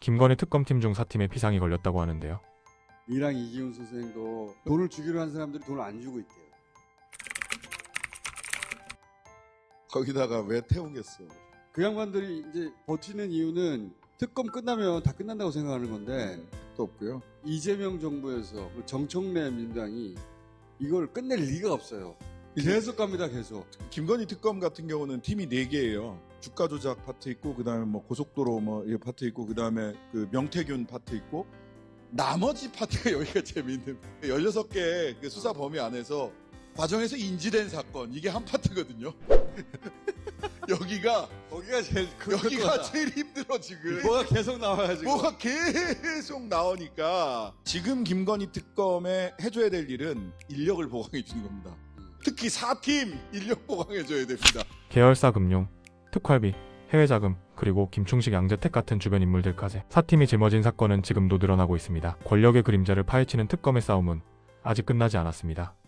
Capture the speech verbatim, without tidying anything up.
김건희 특검팀 중 사 팀에 비상이 걸렸다고 하는데요. 이랑 이기훈 선생도 돈을 주기로 한 사람들이 돈을 안 주고 있대요. 거기다가 왜 태우겠어? 그 양반들이 이제 버티는 이유는 특검 끝나면 다 끝난다고 생각하는 건데 또 없고요. 이재명 정부에서 정청래 민주당이 이걸 끝낼 리가 없어요. 계속 갑니다, 계속. 김건희 특검 같은 경우는 팀이 네 개예요. 주가 조작 파트 있고, 그 다음에 뭐 고속도로 뭐 이 파트 있고, 그 다음에 그 명태균 파트 있고, 나머지 파트가 여기가 재미있는. 열여섯 개 그 수사 범위 안에서 과정에서 인지된 사건, 이게 한 파트거든요. 여기가 거기가 제일 큰 여기가 거다. 제일 힘들어 지금. 뭐가 계속 나와가지고. 뭐가 계속 나오니까 지금 김건희 특검에 해줘야 될 일은 인력을 보강해 주는 겁니다. 특히 사 팀 인력 보강해 줘야 됩니다. 계열사 금융, 특활비, 해외 자금, 그리고 김충식, 양재택 같은 주변 인물들까지 사 팀이 짊어진 사건은 지금도 늘어나고 있습니다. 권력의 그림자를 파헤치는 특검의 싸움은 아직 끝나지 않았습니다.